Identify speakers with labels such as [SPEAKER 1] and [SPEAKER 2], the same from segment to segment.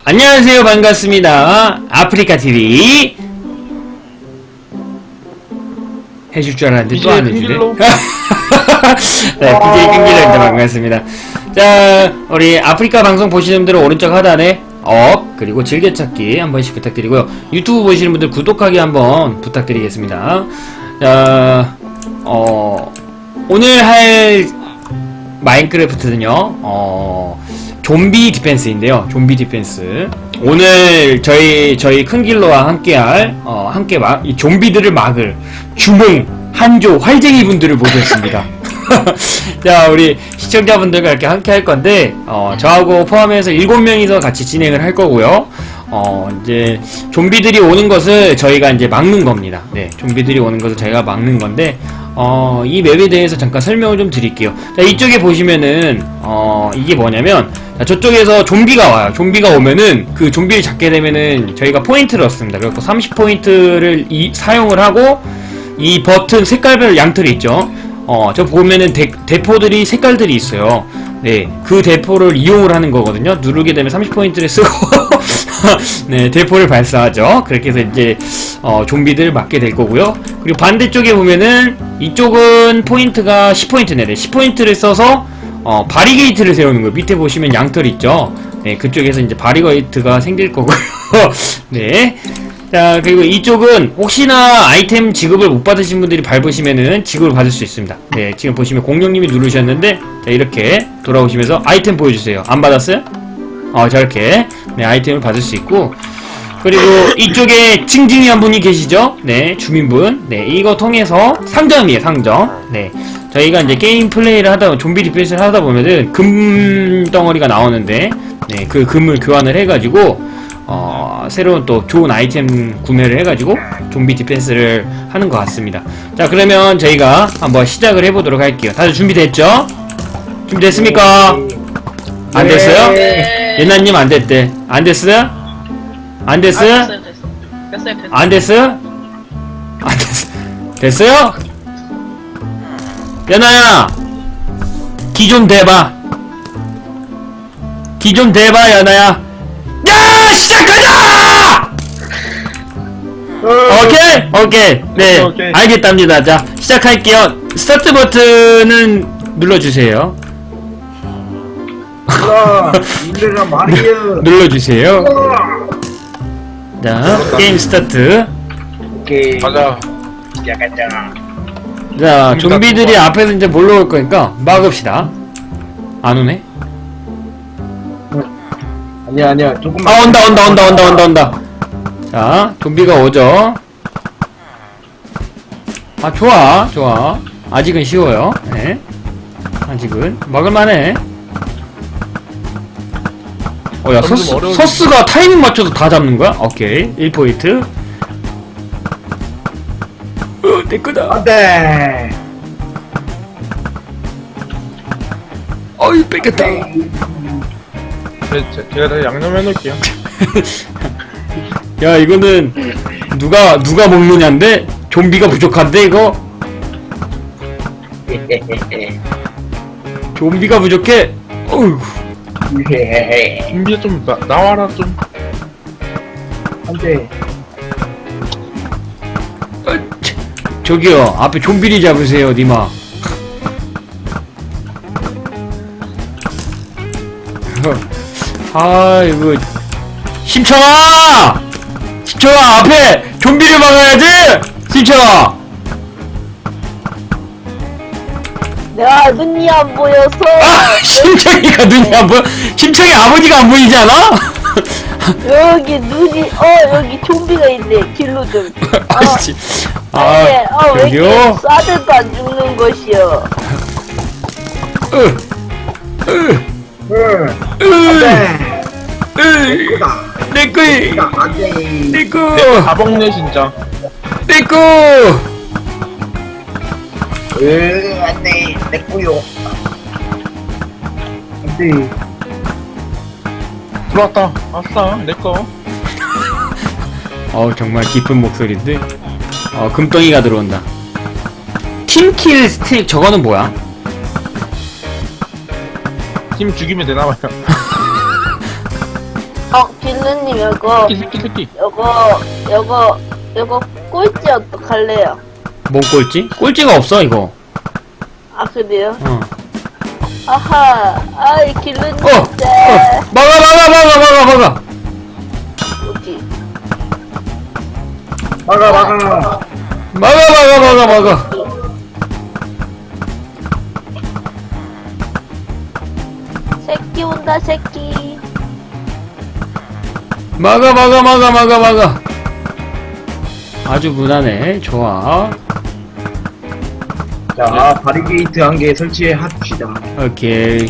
[SPEAKER 1] 안녕하세요, 반갑습니다. 아프리카TV 해줄 줄 알았는데 또 안 해주네. 네, BJ 끈기로입니다. 반갑습니다. 자, 우리 아프리카 방송 보시는 분들은 오른쪽 하단에 그리고 즐겨찾기 한 번씩 부탁드리고요. 유튜브 보시는 분들 구독하기 한번 부탁드리겠습니다. 자, 오늘 할 마인크래프트는요, 좀비 디펜스인데요. 좀비 디펜스. 오늘 저희 큰길로와 함께할 이 좀비들을 막을 주몽 한조 활쟁이 분들을 모셨습니다. 자, 우리 시청자분들과 이렇게 함께 할 건데 저하고 포함해서 7명이서 같이 진행을 할 거고요. 이제 좀비들이 오는 것을 저희가 이제 막는 겁니다. 네, 좀비들이 오는 것을 저희가 막는 건데 이 맵에 대해서 잠깐 설명을 좀 드릴게요. 자, 이쪽에 보시면은 이게 뭐냐면, 자, 저쪽에서 좀비가 와요. 좀비가 오면은 그 좀비를 잡게 되면은 저희가 포인트를 얻습니다. 그래서 30포인트를 사용을 하고 이 버튼 색깔별 양털이 있죠. 저 보면은 대포들이 색깔들이 있어요. 네, 그 대포를 이용을 하는 거거든요. 누르게 되면 30포인트를 쓰고 네, 대포를 발사하죠. 그렇게 해서 이제 좀비들 맞게 될 거고요. 그리고 반대쪽에 보면은 이쪽은 포인트가 10포인트네. 10포인트를 써서 바리게이트를 세우는 거예요. 밑에 보시면 양털 있죠. 네, 그쪽에서 이제 바리게이트가 생길 거고요. 네. 자, 그리고 이쪽은 혹시나 아이템 지급을 못 받으신 분들이 밟으시면은 지급을 받을 수 있습니다. 네, 지금 보시면 공룡님이 누르셨는데, 자, 이렇게 돌아오시면서 아이템 보여주세요. 안 받았어요? 저렇게, 네, 아이템을 받을 수 있고, 그리고 이쪽에 징징이 한 분이 계시죠? 네, 주민분. 네, 이거 통해서 상점이에요, 상점. 네, 저희가 이제 게임 플레이를 하다, 좀비 디펜스를 하다 보면은 금 덩어리가 나오는데, 네, 그 금을 교환을 해가지고, 새로운 또 좋은 아이템 구매를 해가지고 좀비 디펜스를 하는 것 같습니다. 자, 그러면 저희가 한번 시작을 해보도록 할게요. 다들 준비됐죠? 준비됐습니까? 안 됐어요?
[SPEAKER 2] 네.
[SPEAKER 1] 예나님 안 됐대. 안 됐어요? 안 됐어요?
[SPEAKER 2] 됐어요.
[SPEAKER 1] 안 됐어요? 안 됐어. 됐어요? 연아야, 기 좀 대봐. 기 좀 대봐, 연아야. 야, 시작하자! 오케이. 네,
[SPEAKER 3] 오케이.
[SPEAKER 1] 알겠답니다. 자, 시작할게요. 스타트 버튼은 눌러주세요.
[SPEAKER 3] 이래라 말이야.
[SPEAKER 1] 눌러주세요. 자, 게임 스타트.
[SPEAKER 3] 오케이.
[SPEAKER 4] 가자.
[SPEAKER 3] 시작하자.
[SPEAKER 1] 자, 좀비들이 앞에서 이제 몰려올 거니까 막읍시다. 안 오네?
[SPEAKER 3] 아니야. 조금만.
[SPEAKER 1] 온다. 자, 좀비가 오죠. 좋아. 아직은 쉬워요. 네. 아직은 막을만해. 야, 서스가 타이밍 맞춰서 다 잡는 거야? 오케이. 1포인트. 내 거다.
[SPEAKER 3] 안 돼.
[SPEAKER 1] 어이, 뺏겼다.
[SPEAKER 4] 제가 다 양념해 놓을게요.
[SPEAKER 1] 야, 이거는 누가 먹느냐인데? 좀비가 부족한데, 이거? 좀비가 부족해. 어이구.
[SPEAKER 4] 준비 좀 나와라 좀.
[SPEAKER 3] 안 돼.
[SPEAKER 1] 저기요, 앞에 좀비를 잡으세요, 니마. 이거 심청아 앞에 좀비를 막아야지. 심청아.
[SPEAKER 2] 내가 눈이 안 보여서.
[SPEAKER 1] 심청이가 눈이 안 보여. 심청이 아버지가 안 보이지 않아?
[SPEAKER 2] 여기 눈이 여기 좀비가 있네. 길로 좀.
[SPEAKER 1] 아씨.
[SPEAKER 2] 왜 이렇게
[SPEAKER 1] 저기요.
[SPEAKER 2] 쏴대도 안 죽는 것이여.
[SPEAKER 3] 안 돼.
[SPEAKER 1] 내꺼.
[SPEAKER 3] 안 돼.
[SPEAKER 1] 내꺼.
[SPEAKER 4] 다 먹네 진짜.
[SPEAKER 1] 내꺼.
[SPEAKER 3] 안 돼. 내 거요. 안 돼.
[SPEAKER 4] 들어왔다. 아싸 내 거.
[SPEAKER 1] 정말 깊은 목소리인데. 금덩이가 들어온다. 팀킬 스틱 저거는 뭐야?
[SPEAKER 4] 팀 죽이면 되나봐요.
[SPEAKER 2] 길루님 이거
[SPEAKER 4] 새끼.
[SPEAKER 2] 요거 꼴찌 어떡할래요?
[SPEAKER 1] 뭔 꼴찌? 꼴찌가 없어 이거.
[SPEAKER 2] 아 그래요?
[SPEAKER 1] 어.
[SPEAKER 2] 아하 아이 길루님 진짜
[SPEAKER 1] 막아.
[SPEAKER 2] 뭐지?
[SPEAKER 3] 막아.
[SPEAKER 1] 막아.
[SPEAKER 2] 새끼 온다 새끼.
[SPEAKER 1] 막아. 아주 무난해. 좋아.
[SPEAKER 3] 자, 바리게이트 한 개 설치해 합시다.
[SPEAKER 1] 오케이.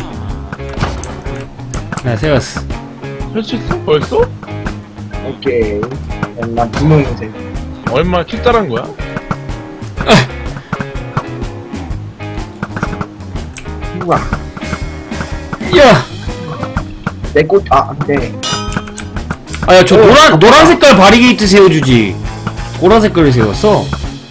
[SPEAKER 1] 나 세웠어.
[SPEAKER 4] 설치했어? 벌써?
[SPEAKER 3] 오케이. 난 분홍색.
[SPEAKER 4] 얼마나 킬달한 거야?
[SPEAKER 3] 우와.
[SPEAKER 1] 야!
[SPEAKER 3] 네.
[SPEAKER 1] 아, 야, 저 노란 색깔 바리게이트 세워주지. 보라 색깔을 세웠어.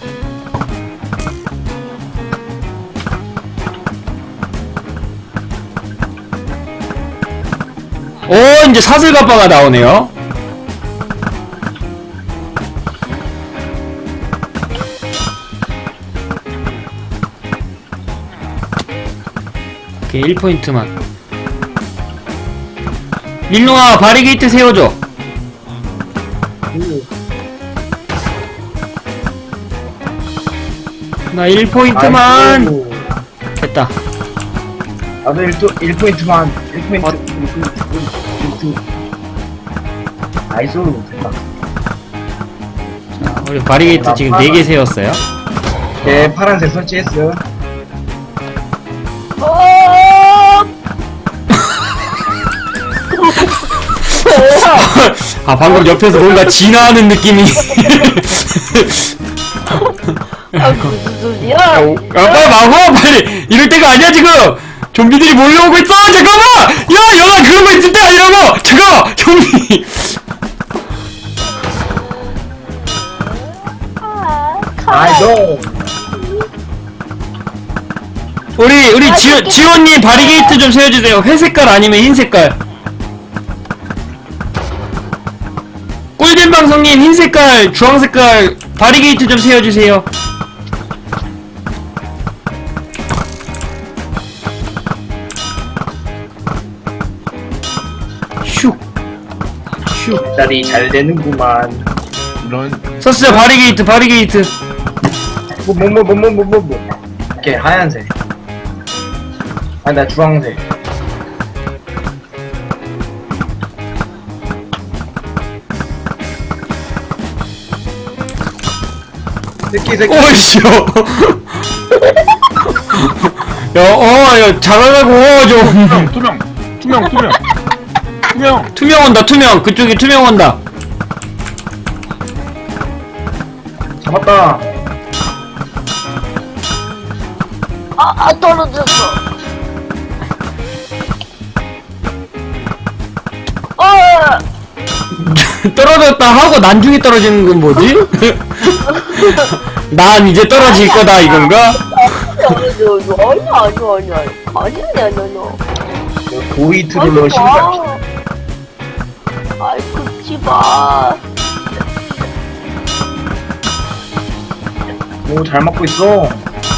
[SPEAKER 1] 이제 사슬가빠가 나오네요. 오케이, 1포인트만. 밀롱아, 바리게이트 세워줘. 나 1포인트만. 됐다.
[SPEAKER 3] 나도 1포인트만. 1포인트. 나이스. 됐다.
[SPEAKER 1] 자, 우리 바리게이트 지금 4개 세웠어요.
[SPEAKER 3] 네, 파란색 설치했어.
[SPEAKER 1] 아, 방금 옆에서 뭔가 진화하는 느낌이.
[SPEAKER 2] 아 무슨 소리야?
[SPEAKER 1] 빨리 막어, 빨리. 이럴 때가 아니야, 지금. 좀비들이 몰려오고 있어. 잠깐만. 야, 영화 그런 거 있을 때야, 이런 거. 잠깐만, 좀비.
[SPEAKER 3] 나이스.
[SPEAKER 1] 우리 지원님 바리게이트 좀 세워주세요. 회색깔 아니면 흰색깔. 꿀잼 방송님 흰색깔, 주황색깔 바리게이트 좀 세워주세요. 슉.
[SPEAKER 3] 딸이 잘 되는구만.
[SPEAKER 4] 이런.
[SPEAKER 1] 썼어요. 바리게이트.
[SPEAKER 3] 뭐. 오케이, 하얀색. 아, 나 주황색. 새끼.
[SPEAKER 1] 오이씨. 야, 잘하라고, 좀.
[SPEAKER 4] 투명.
[SPEAKER 1] 투명 온다, 투명. 그쪽에 투명 온다.
[SPEAKER 3] 잡았다.
[SPEAKER 2] 떨어졌어.
[SPEAKER 1] 떨어졌다 하고 난중에 떨어지는 건 뭐지? 난 이제 떨어질 거다, 이건가?
[SPEAKER 2] 아니야.
[SPEAKER 3] 고이 트롤러 신발.
[SPEAKER 2] 아이 긁지 마.
[SPEAKER 3] 오, 잘 맞고 있어.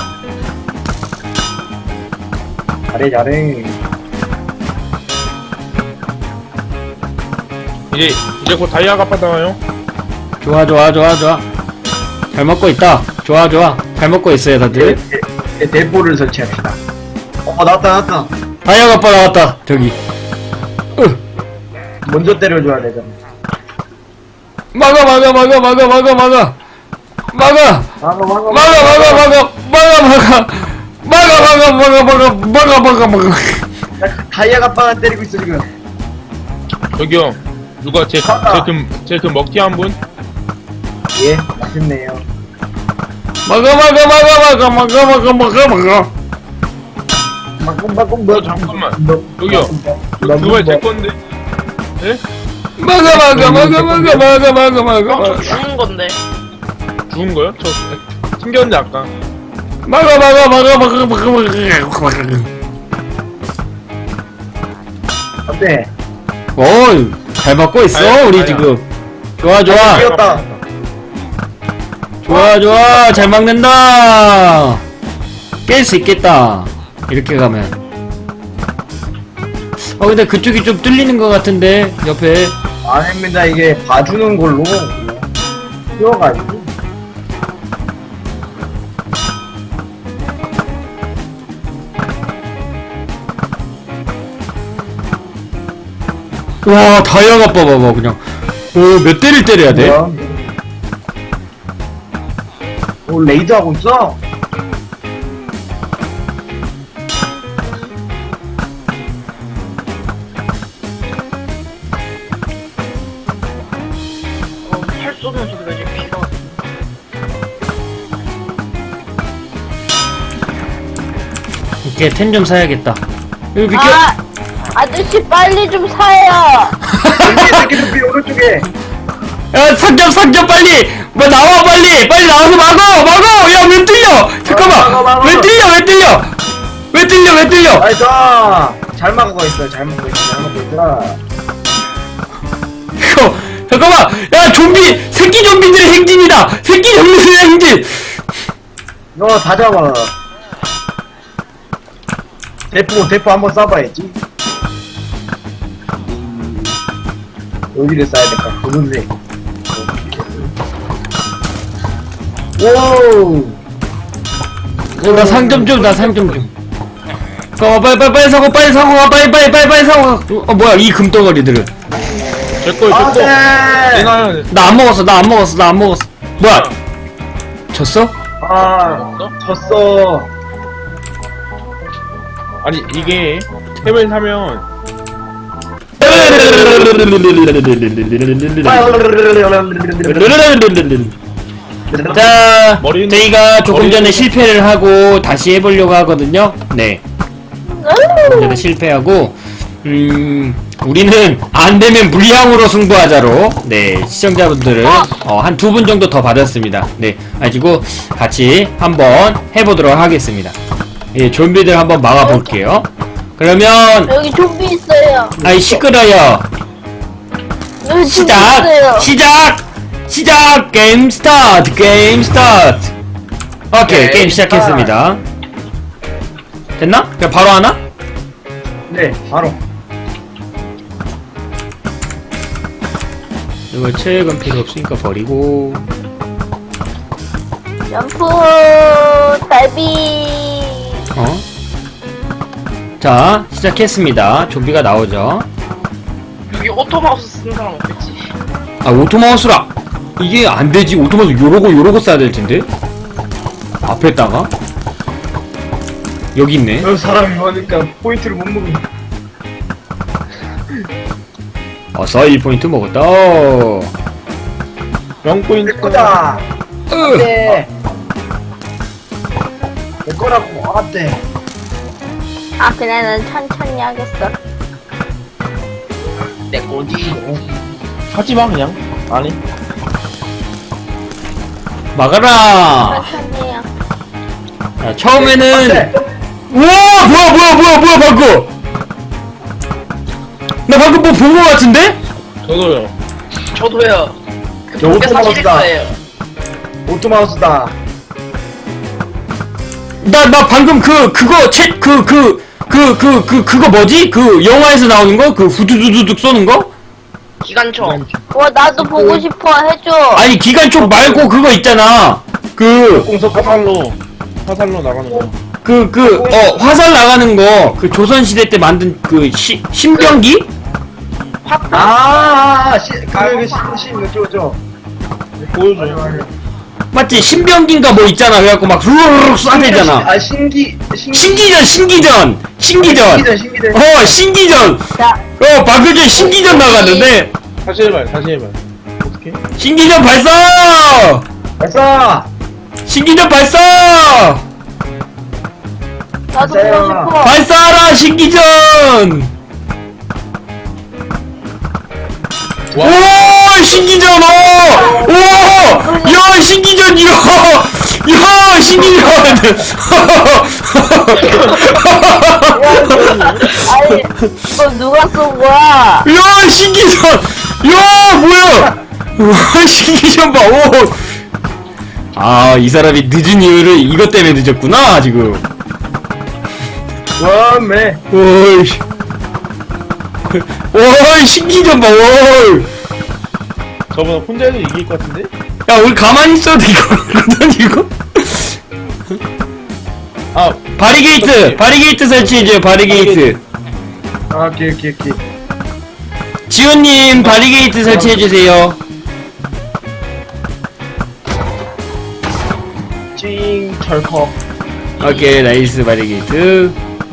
[SPEAKER 3] 잘해.
[SPEAKER 4] 이제 곧 다이아가 빠져나와요.
[SPEAKER 1] 좋아. 잘 먹고 있다. 좋아. 잘 먹고 있어요, 다들.
[SPEAKER 3] 대포를 설치합시다. 나왔다.
[SPEAKER 1] 다이아가 아빠 나왔다, 저기.
[SPEAKER 3] 먼저 때려줘야 되잖아.
[SPEAKER 1] 막아.
[SPEAKER 3] 다이아가 아빠가 때리고 있어, 지금.
[SPEAKER 4] 저기요. 누가 제 금 먹튀 한 분?
[SPEAKER 3] 예, 맛있네요.
[SPEAKER 4] 잠깐만. 여기요. 그거 제 건데. 예?
[SPEAKER 2] 죽는 건데.
[SPEAKER 4] 죽은 거요? 저 튕겼는데 아까.
[SPEAKER 3] 안돼.
[SPEAKER 1] 어이, 잘 막고 있어
[SPEAKER 4] 아야,
[SPEAKER 1] 우리
[SPEAKER 4] 아야.
[SPEAKER 1] 지금. 좋아 좋아
[SPEAKER 3] 뛰었다.
[SPEAKER 1] 좋아 좋아 잘 막는다. 깰 수 있겠다 이렇게 가면. 근데 그쪽이 좀 뚫리는 것 같은데 옆에.
[SPEAKER 3] 아닙니다. 이게 봐주는 걸로 뛰어가지고.
[SPEAKER 1] 와 다이아가 봐봐봐 그냥. 몇 대를 때려야 돼?
[SPEAKER 3] 뭐야? 레이드 하고 있어?
[SPEAKER 2] 팔 쏘는 소리가 지금 비가.
[SPEAKER 1] 이렇게 템 좀 사야겠다. 여기 비켜.
[SPEAKER 2] 아저씨 빨리 좀 사요.
[SPEAKER 3] 새끼들 오른쪽에.
[SPEAKER 1] 야 상점 빨리. 뭐 나와 빨리 나와서 막어. 야 왜 뚫려? 잠깐만.
[SPEAKER 3] 막어.
[SPEAKER 1] 왜 뚫려?
[SPEAKER 3] 나이스. 잘 막고 있어. 잘 막고 있어.
[SPEAKER 1] 이거 잠깐만. 야 좀비 새끼 좀비들의 행진이다. 새끼 좀비들의 행진.
[SPEAKER 3] 너 다 잡아. 대포 한번 쏴봐야지. 여기를 쏴야 될까? 그런데. 오.
[SPEAKER 1] 나 상점 좀. 빨리 사고. 빨리 사고. 뭐야 이 금덩어리들은.
[SPEAKER 4] 제꺼
[SPEAKER 3] 아,
[SPEAKER 4] 제꺼.
[SPEAKER 3] 네.
[SPEAKER 4] 내가
[SPEAKER 1] 나 안 먹었어. 뭐야? 졌어?
[SPEAKER 3] 아, 졌어.
[SPEAKER 4] 아니 이게 템을 사면
[SPEAKER 1] 자,
[SPEAKER 4] 머리는-
[SPEAKER 1] 저희가 조금 전에
[SPEAKER 4] 머리는-
[SPEAKER 1] 실패를 하고 다시 해보려고 하거든요. 네, 조금 전에 실패하고, 우리는 안 되면 물량으로 승부하자로, 네, 시청자분들은 한 2분 정도 더 받았습니다. 네, 가지고 같이 한번 해보도록 하겠습니다. 예, 좀비들 한번 막아볼게요. 그러면,
[SPEAKER 2] 여기 좀비 있어요.
[SPEAKER 1] 아이 시끄러요.
[SPEAKER 2] 여기 좀비 있어요.
[SPEAKER 1] 시작! 게임 스타트! 오케이, 게임 시작했습니다. 됐나? 그냥 바로 하나?
[SPEAKER 3] 네, 바로.
[SPEAKER 1] 이거 체액은 필요 없으니까 버리고.
[SPEAKER 2] 점프 달비.
[SPEAKER 1] 자, 시작했습니다. 좀비가 나오죠.
[SPEAKER 5] 여기 오토마우스 쓰는 사람 없겠지?
[SPEAKER 1] 아, 오토마우스라! 이게 안 되지. 오토마우스 요러고 써야 될 텐데? 앞에다가? 여기 있네.
[SPEAKER 3] 사람이 많으니까 포인트를 못 먹는.
[SPEAKER 1] 어서 1포인트 먹었다.
[SPEAKER 4] 0포인트
[SPEAKER 3] 내 거다.
[SPEAKER 1] 으.
[SPEAKER 3] 네. 내 거라고. 안 돼.
[SPEAKER 2] 그냥 난 천천히 하겠어.
[SPEAKER 5] 내 거지.
[SPEAKER 4] 하지마 그냥 아니
[SPEAKER 1] 막아라!
[SPEAKER 2] 천천히 해요.
[SPEAKER 1] 자, 처음에는
[SPEAKER 3] 네.
[SPEAKER 1] 우와 뭐야 방금 나 방금 뭐 본 거 같은데?
[SPEAKER 4] 저도요.
[SPEAKER 5] 저도요.
[SPEAKER 3] 저
[SPEAKER 5] 그게 사실일
[SPEAKER 3] 오토마우스다.
[SPEAKER 5] 거예요.
[SPEAKER 3] 오토마우스다.
[SPEAKER 1] 나 방금 그거 뭐지? 그 영화에서 나오는 거? 그 후두두두둑 쏘는 거?
[SPEAKER 5] 기관총.
[SPEAKER 2] 와 나도 보고 싶어 해줘.
[SPEAKER 1] 아니 기관총 말고 그거 있잖아
[SPEAKER 3] 공석
[SPEAKER 4] 화살로 나가는 거.
[SPEAKER 1] 화살 나가는 거 그 조선시대 때 만든 그 신병기?
[SPEAKER 3] 저.
[SPEAKER 4] 보여줘.
[SPEAKER 1] 맞지? 신병기인가 뭐 있잖아 그래갖고 막 루루룩 쏴대잖아 신기전 신기전
[SPEAKER 2] 자,
[SPEAKER 1] 방금 전에 신기전 나갔는데
[SPEAKER 4] 다시 해봐. 어떻게?
[SPEAKER 1] 신기전 발사!
[SPEAKER 3] 발사.
[SPEAKER 1] 신기전 발사!
[SPEAKER 2] 나도
[SPEAKER 3] 맞아요.
[SPEAKER 2] 보고 싶어.
[SPEAKER 1] 발사하라 신기전!
[SPEAKER 4] 와.
[SPEAKER 1] 오 신기전 야 신기전 야 신기전
[SPEAKER 2] 아유 이거 누가 쏜 거야?
[SPEAKER 1] 야, 신기전! 야, 뭐야! 와, 신기전 봐, 오! 아, 이 사람이 늦은 이유를 이것 때문에 늦었구나, 지금.
[SPEAKER 3] 와매.
[SPEAKER 1] 오이. 오이, 신기전 봐, 오이.
[SPEAKER 4] 저분 혼자 해도 이길 것 같은데?
[SPEAKER 1] 야, 우리 가만히 있어도 이거거든, 이거?
[SPEAKER 4] 아,
[SPEAKER 1] 바리게이트 설치해줘요, 바리게이트.
[SPEAKER 3] 아, 오케이.
[SPEAKER 1] 지훈님, 바리게이트 설치해주세요.
[SPEAKER 3] 찡 철컥.
[SPEAKER 1] 오케이, 나이스, 바리게이트.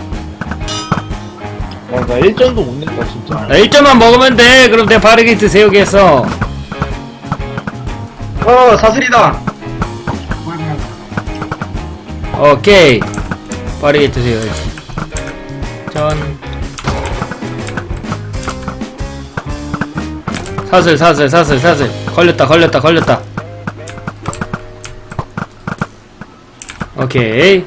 [SPEAKER 4] 나 1점도 못 냈다, 진짜.
[SPEAKER 1] 나 1점만 먹으면 돼. 그럼 내가 바리게이트 세우겠어.
[SPEAKER 3] 사슬이다.
[SPEAKER 1] 오케이. 바리게이트 세워야지. 전. 사슬. 걸렸다. 오케이.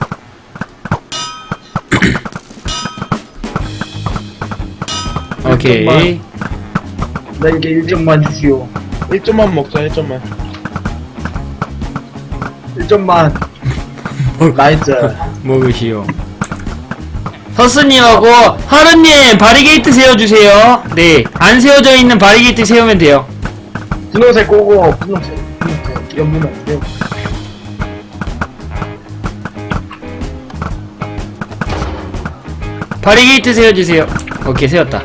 [SPEAKER 1] 오케이.
[SPEAKER 3] 나에게 1점만 주시오.
[SPEAKER 4] 1점만 먹자, 1점만.
[SPEAKER 3] 1점만. 나이스.
[SPEAKER 1] 먹으시오. 서스님하고 하루님 바리게이트 세워주세요. 네, 안 세워져 있는 바리게이트 세우면 돼요.
[SPEAKER 3] 분홍색 꼬고 분홍색 연분 안 돼요.
[SPEAKER 1] 바리게이트 세워주세요. 오케이, 세웠다.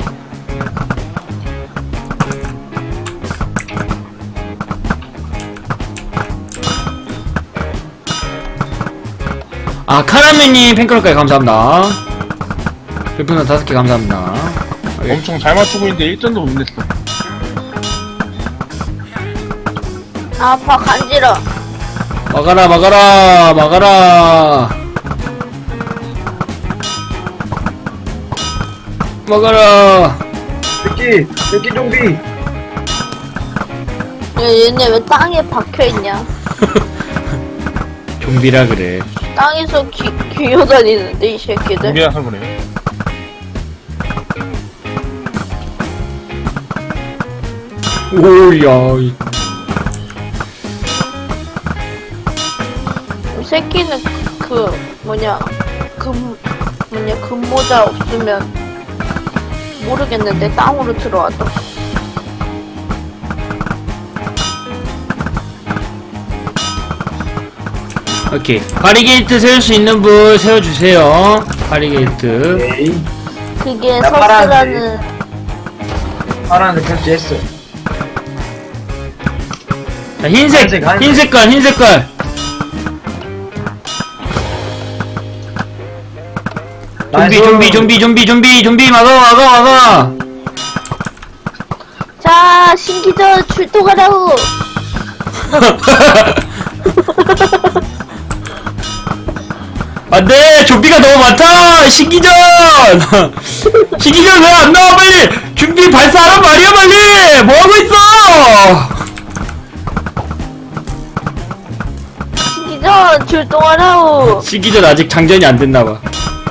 [SPEAKER 1] 아, 카라멜님 팬클럽까지 감사합니다. 별풍선 5개 감사합니다.
[SPEAKER 4] 엄청 잘 맞추고 있는데 1점도 못 냈어.
[SPEAKER 2] 아파 간지러.
[SPEAKER 1] 막아라.
[SPEAKER 3] 새끼 좀비.
[SPEAKER 2] 얘네 왜 땅에 박혀있냐?
[SPEAKER 1] 좀비라 그래.
[SPEAKER 2] 땅에서 기어다니는데 이 새끼들.
[SPEAKER 4] 준비해서 그래.
[SPEAKER 1] 오야.
[SPEAKER 2] 이 새끼는 금모자 없으면 모르겠는데 땅으로 들어왔다.
[SPEAKER 1] 오케이. 바리게이트 세울 수 있는 분 세워주세요. 바리게이트.
[SPEAKER 3] 오케이.
[SPEAKER 2] 그게
[SPEAKER 3] 나
[SPEAKER 2] 서스라는
[SPEAKER 3] 파란색 편지했어.
[SPEAKER 1] 자, 흰색 색깔. 좀비 막아.
[SPEAKER 2] 자 신기전 출동하라고.
[SPEAKER 1] 안돼, 좀비가 너무 많다. 신기전 왜 안 나와? 빨리 준비 발사하란 말이야. 빨리 뭐 하고 있어?
[SPEAKER 2] 신기전 출동하라고.
[SPEAKER 1] 신기전 아직 장전이 안 됐나 봐.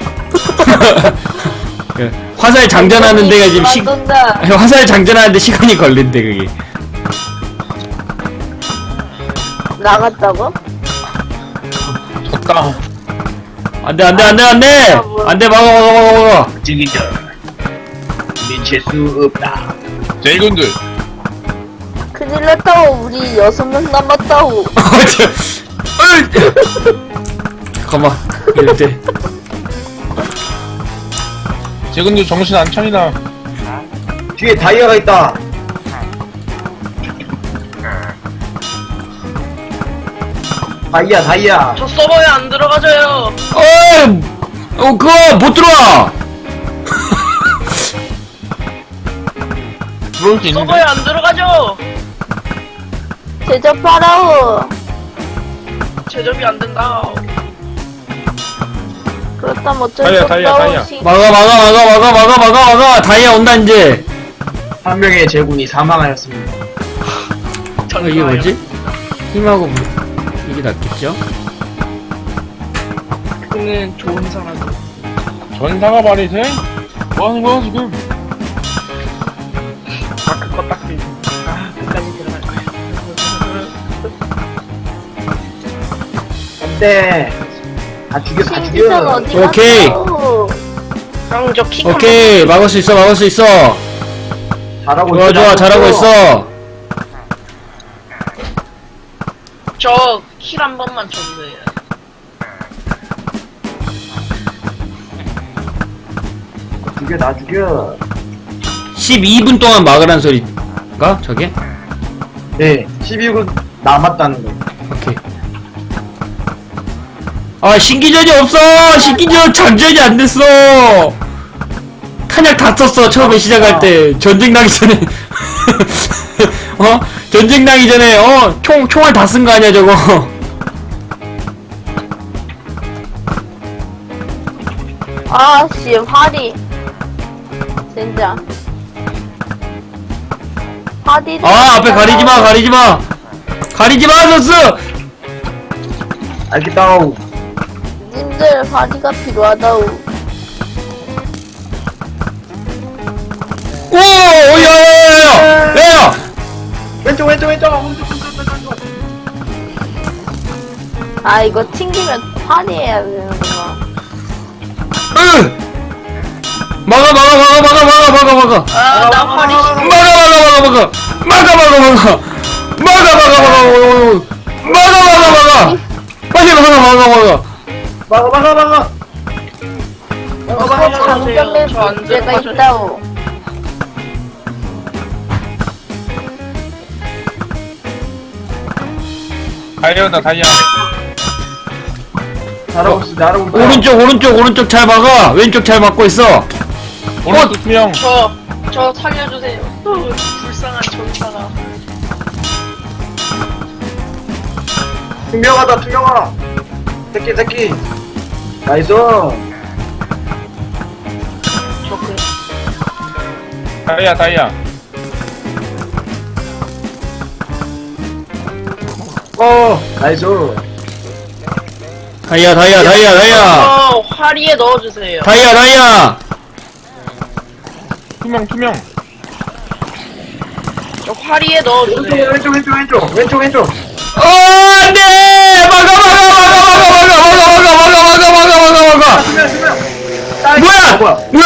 [SPEAKER 1] 화살 장전하는 데가 지금
[SPEAKER 2] 만든다.
[SPEAKER 1] 화살 장전하는데 시간이 걸린대 그게.
[SPEAKER 2] 나갔다고?
[SPEAKER 4] 졌다.
[SPEAKER 1] 안돼 막아.
[SPEAKER 3] 지기죠. 미칠 수 없다.
[SPEAKER 4] 제이군들.
[SPEAKER 2] 큰일 났다고. 우리 6명 남았다고.
[SPEAKER 1] 잠깐만 이럴 때.
[SPEAKER 4] 제이군들 정신 안 차리나.
[SPEAKER 3] 뒤에 다이아가 있다. 다이아.
[SPEAKER 5] 저 서버에 안 들어가져요.
[SPEAKER 1] 그거 못 들어와.
[SPEAKER 4] 들어올 수 있는데.
[SPEAKER 5] 서버에 안 들어가죠.
[SPEAKER 2] 제접하라고.
[SPEAKER 5] 제접이 안 된다.
[SPEAKER 2] 그렇다면 어쩔 수
[SPEAKER 4] 다이아.
[SPEAKER 2] 없다고.
[SPEAKER 1] 막아. 다이아 온다 이제.
[SPEAKER 3] 한 명의 제군이 사망하였습니다.
[SPEAKER 1] 이게 뭐지? 힘하고 이게 낫겠죠?
[SPEAKER 5] 그는 좋은 사람.
[SPEAKER 4] 전사가 말이 돼? 뭐 하는 거야, 지금?
[SPEAKER 5] 그거 딱 끝까지 들어갈 거야.
[SPEAKER 3] 안돼. 다 죽여 다
[SPEAKER 2] 신기선
[SPEAKER 3] 죽여.
[SPEAKER 2] 어디
[SPEAKER 1] 오케이.
[SPEAKER 2] 갔어?
[SPEAKER 5] 형, 저 킥
[SPEAKER 1] 오케이, 막을 수 있어, 막을 수 있어.
[SPEAKER 3] 잘하고
[SPEAKER 1] 좋아, 좋아, 잘하고 있어.
[SPEAKER 5] 저킬 한 번만 줘주세요.
[SPEAKER 3] 죽여 나 죽여.
[SPEAKER 1] 12분 동안 막으란 소리가 저게?
[SPEAKER 3] 네 12분 남았다는 거.
[SPEAKER 1] 오케이. 아, 신기전이 없어! 신기전 장전이 안 됐어! 탄약 다 썼어, 처음에 시작할 때. 전쟁 나기 전에. 어? 전쟁 나기 전에, 총알 다 쓴 거 아니야, 저거.
[SPEAKER 2] 아씨 화리 진짜 화리
[SPEAKER 1] 아, 앞에 가리지 마, 가리지 마! 가리지 마, 서스!
[SPEAKER 3] 알겠다우.
[SPEAKER 2] 님들 화리가 필요하다우.
[SPEAKER 1] 오! 야!
[SPEAKER 3] 왼쪽 왼쪽 왼쪽.
[SPEAKER 2] 아 이거 튕기면 화리해야 되는구나.
[SPEAKER 1] 으! 막아!
[SPEAKER 5] 아, 나 화리
[SPEAKER 1] 빨리 막아!
[SPEAKER 3] 막아.
[SPEAKER 2] 여기서 장점에
[SPEAKER 5] 저안
[SPEAKER 2] 문제가
[SPEAKER 5] 들어가죠.
[SPEAKER 2] 있다우.
[SPEAKER 4] 다이아다, 다이아.
[SPEAKER 3] 잘하고 있어 잘하고 있어.
[SPEAKER 1] 오른쪽 잘 막아! 왼쪽 잘 막고 있어!
[SPEAKER 4] 오른쪽 투명.
[SPEAKER 5] 저 살려주세요. 불쌍한 전사가.
[SPEAKER 3] 투명하다 투명아. 새끼. 나이스.
[SPEAKER 5] 저 그,
[SPEAKER 4] 다이아.
[SPEAKER 3] 나이스.
[SPEAKER 1] 다이아!
[SPEAKER 5] 저 화리에 넣어주세요.
[SPEAKER 1] 다이아!
[SPEAKER 4] 투명.
[SPEAKER 5] 저 화리에 넣어주세요.
[SPEAKER 3] 왼쪽.
[SPEAKER 1] 안 돼! 막아!
[SPEAKER 3] 투명.
[SPEAKER 1] 뭐야!